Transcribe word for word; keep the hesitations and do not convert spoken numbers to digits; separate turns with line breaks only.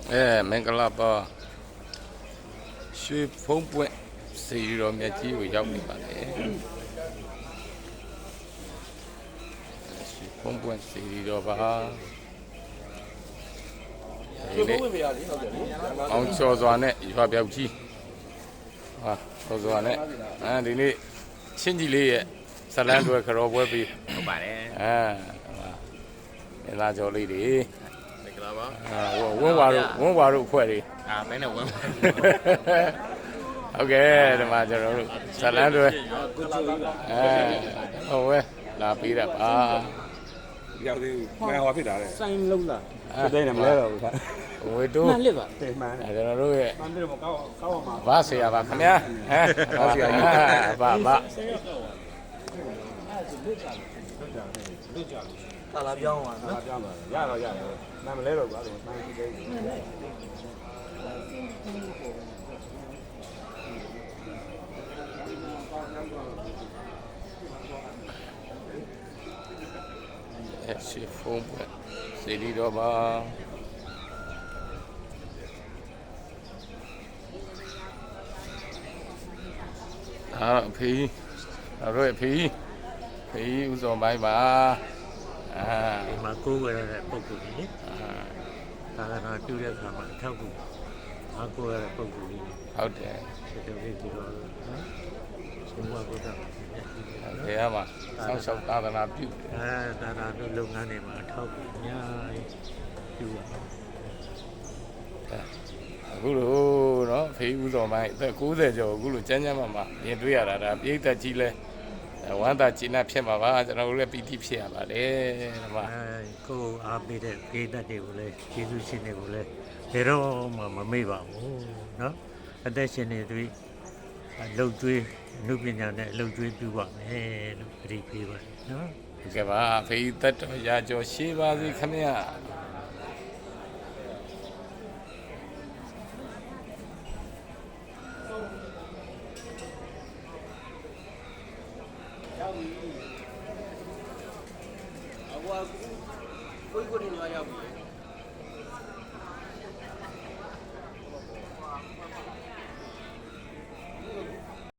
အဲမင်္ဂလာပါရွှေဖုံးပွင့်စီရောမြတ်ကြီးကိုရောက်နေပါတယ်ရွှေဖုံးပွင့်စီရောပါရွှေဖုံးပွင့်ပြရလေဟုတ်တယ်လေအောင်ချော်စွာနဲ့ရွာပြောက်ကြီးဟာချော်စွာနဲ့အဲဒီနေ့ချင်းကြီးလေးရဲ့ဇလန်းတွေခရောပွဲပြီး
ဟုတ်ပါတယ်
အဲလာကြော်လေးတွေ
မင်္ဂလာပါ
အာဝန်းဝါတို့ဝန်းဝါတို့အဖွဲ့တွေ
အာဘယ်နဲ့ဝန်း
ဟုတ်ကဲ့ဒီမှာကျွန်တော်တို့ဇလန်းတွေအဲဟုတ်ဝဲလာပြီးတာပါ
ရောက်သေးဘူးမဟောဖြစ်တာလေ
စိုင်းလုံးလာ
စိတ်နဲ့မလဲတော့ဘူး
ဝေတိုး
မှန်လစ်ပါ
တိမ်မှန်
အဲကျွန်တော်တို့ရဲ့
မှန်တယ်မကောက်ကောက်အောင်ပါ
ဘာဆရာပါခင်ဗျာဟမ်ဘာဆရာဘာဘာ
ကာလာပြောင်းပါနော်
ပြောင်းပါရတော့ရတယ်မှန်မလဲတော့ဘူးအဲ့လိုမှန်ကြည့်သေး
တယ်ရှေ့ဖုန်းပဲစီရီတော့ပါအာဖေးအဲ့တော့ဖေးဖေးဥစုံပိုင်းပါအာ
ဒီမှာကိုးဝယ်ရတဲ့ပုံကူကြီးအာသာသနာပြုတဲ့အခါမှာအထောက်ကူအားကိုးရတဲ့ပုံကူကြီး
ဟုတ်တယ်
ဒီလိုလေးဒီလိုနော်ဆုံးမကိုတာ
ဘယ်မှာဆောက်ရှောက်သာသနာပြု
အဲသာသနာပြုလုပ်ငန်းတွေမှာအထောက်ကူအများကြီးပြုပါ
အခုလို့နော်ဖေးဥစုံပိုင်းအသက်ကိုးဆယ်ကျော်အခုလို့ကျန်းကျန်းမာမာမြင်တွေ့ရတာဒါပြိတ္တကြီးလဲဝမ်းသာကျဉ်းနှံ့ဖြစ်မှာပါကျွန်တော်တို့လည်းပီတိဖြစ်ရပါတယ်ဒီမှာ
အဲကိုအားပေးတဲ့ပြိတ္တတွေကိုလည်းကျေးဇူးရှင်တွေကိုလည်းဘယ်တော့မှမမေ့ပါဘူးเนาะအသက်ရှင်နေသူအလုပ်ကျွေးအမှုပညာနဲ့အလုပ်ကျွေးပြုပါမယ်လို့ပြိပေးပါเนาะ
ဟုတ်ကဲ့ပါဖေးသက်တော်ရာကျော်ရှေးပါစေခင်ဗျာ
ကိုကိုကိုနေလာရောက်ပြီ